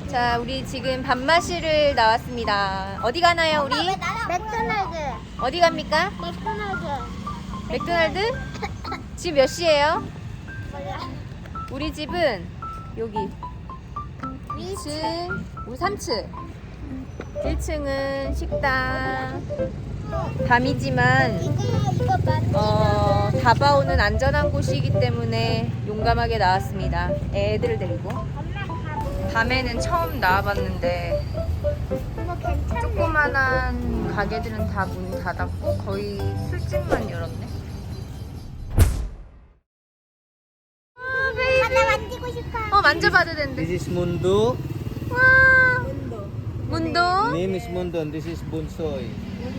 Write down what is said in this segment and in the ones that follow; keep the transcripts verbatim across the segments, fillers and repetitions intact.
자, 우리 지금 밥 마시러 나왔습니다. 어디 가나요, 우리? 맥도날드. 어디 갑니까? 맥도날드. 맥도날드? 지금 몇 시예요? 우리 집은 여기 이 층, 우리 삼 층. 일 층은 식당. 밤이지만 이거 이거 맞. 어, 다바오는 안전한 곳이기 때문에 용감하게 나왔습니다. 애들을 데리고. 밤에는 처음 나와봤는데 이거 괜찮네. 조그만한 가게들은 다 문 닫았고 거의 술집만 열었네. 하나 만지고 싶어. 어, 만져봐도 된대. This is Mundo. 와, 문도. Name is Mundo and this is Bunsoy.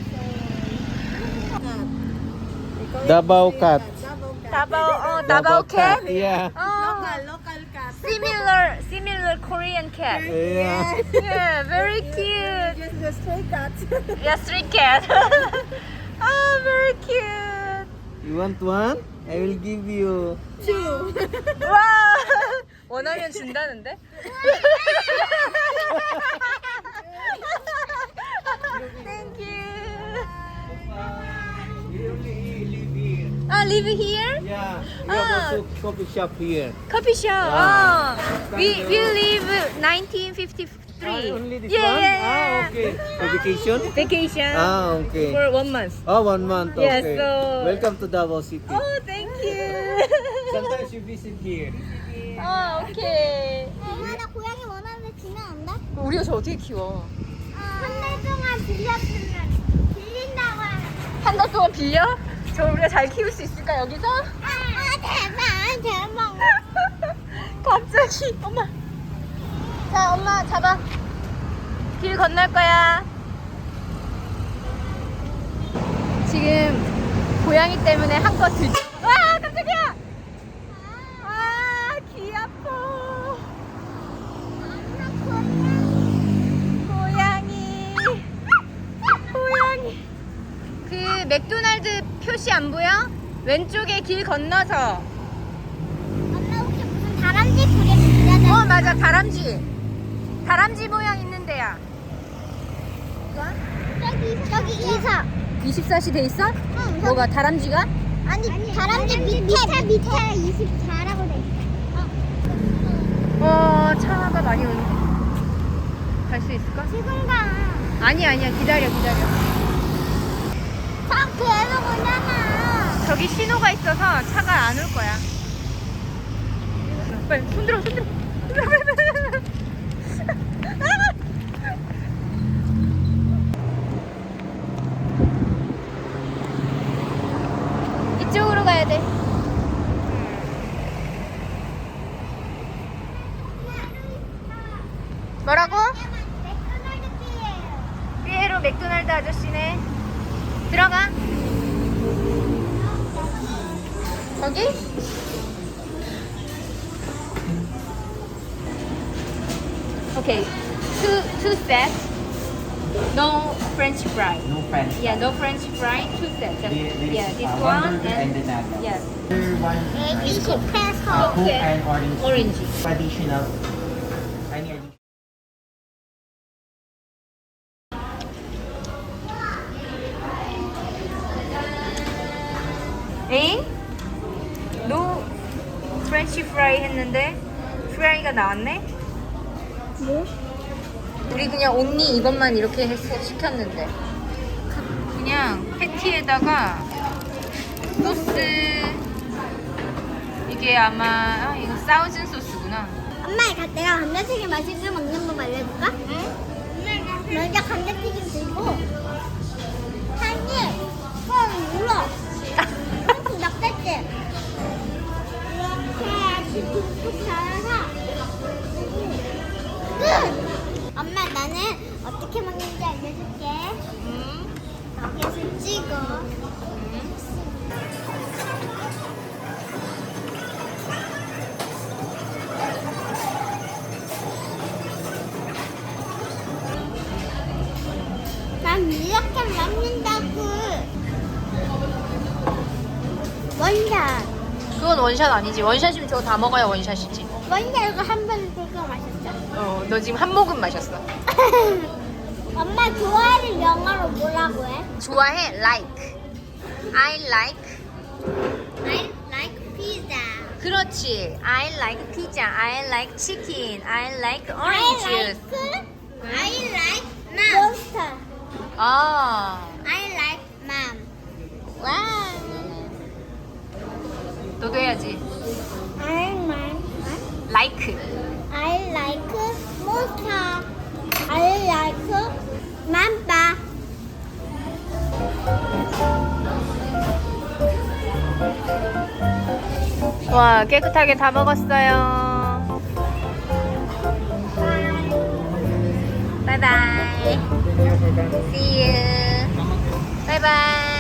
Davao cat. 다바오, 어, 다바오 캣? Yeah. 어, similar, similar Korean cat. Yeah. Yeah, very cute. Just the stray cat. Yeah, street cat. Oh, very cute. You want one? I will give you. Two. 와, 원하면 준다는데? Thank you. We only live here. Ah, live here? Yeah. We Ah. have also coffee shop here. Coffee shop. Ah. Oh, we we live nineteen fifty-three. Ah, only this yeah, one? yeah, Ah, yeah. okay. For vacation? Vacation Ah, okay. for one month. Oh, one month. Yes, Okay. so- Welcome to Davao City. Oh, thank you. Sometimes you visit here. 어, 오케이. 하나 고양이 원하는데 주면 안 돼? 우리가 저 어떻게 키워? 한 달 동안 빌렸으면 빌린다고 하는. 한 달 동안 빌려? 저 우리가 잘 키울 수 있을까 여기서? 아 대박 대박. 갑자기 엄마. 자, 엄마 잡아. 길 건널 거야. 지금 고양이 때문에 한껏 들. 와, 깜짝이야. 아, 귀 아파. 고양이. 고양이. 그 맥도날드 표시 안 보여? 왼쪽에 길 건너서. 엄마 혹시 무슨 다람쥐 그게 빌려줘? 어, 맞아. 다람쥐. 다람쥐 모양 있는 데야. 저기 저기 이사. 이십사 시 돼 있어? 응. 뭐가 다람쥐가? 아니 다람쥐 밑에 밑에 밑에 이십사라고 돼 있어. 어, 차가 많이 오네. 갈 수 있을까? 지금 가. 아니, 아니야. 기다려, 기다려. 저 계속 오잖아. 저기 신호가 있어서 차가 안 올 거야. 빨리 손들어, 손들어. 이쪽으로 가야 돼. 뭐라고? 맥도날드 피예요. 피에로 맥도날드 아저씨네. 들어가. 거기? 오케이. Two two sets. No French fry. No French. Yeah, no French fry. Two sets. There- there is, Yeah, this uh, one burger and the and nuggets. yes, One uh, is Coke. 이십 페소. Uh, Coke Okay. and orange. orange. Additional. Any additional? 에잉? 노 프렌치 프라이 했는데 프라이가 나왔네? 뭐? 우리 그냥 온리 이것만 이렇게 해서 시켰는데 그- 그냥 패티에다가 소스 이게 아마 아, 이거 사우즌 소스구나. 엄마 이거 내가 감자튀김 맛있게 먹는 법 알려줄까? 응? 먼저 감자튀김 들고 한입 뻥 눌러. 조금 넉살지. 이렇게 툭툭 잘라서 끝. 엄마 나는 어떻게 먹는지 알려줄게. 응? 여기서 찍어. 난 이렇게 먹는다고. 원샷. 그건 원샷 아니지. 원샷이면 저거 다 먹어야 원샷이지. 먼저 이거 한 번 되게 맛있어. 어, 너 지금 한 모금 마셨어. 엄마 좋아하는 영어로 뭐라고 해? 좋아해? Like. I like. I like pizza. 그렇지. I like pizza. I like chicken. I like I orange like juice. I like monster. 어. I like mom. 와. 너도 해야지. I like Like. I like monster. I like mamba. 와, 깨끗하게 다 먹었어요. 바이바이. See you. 바이바이.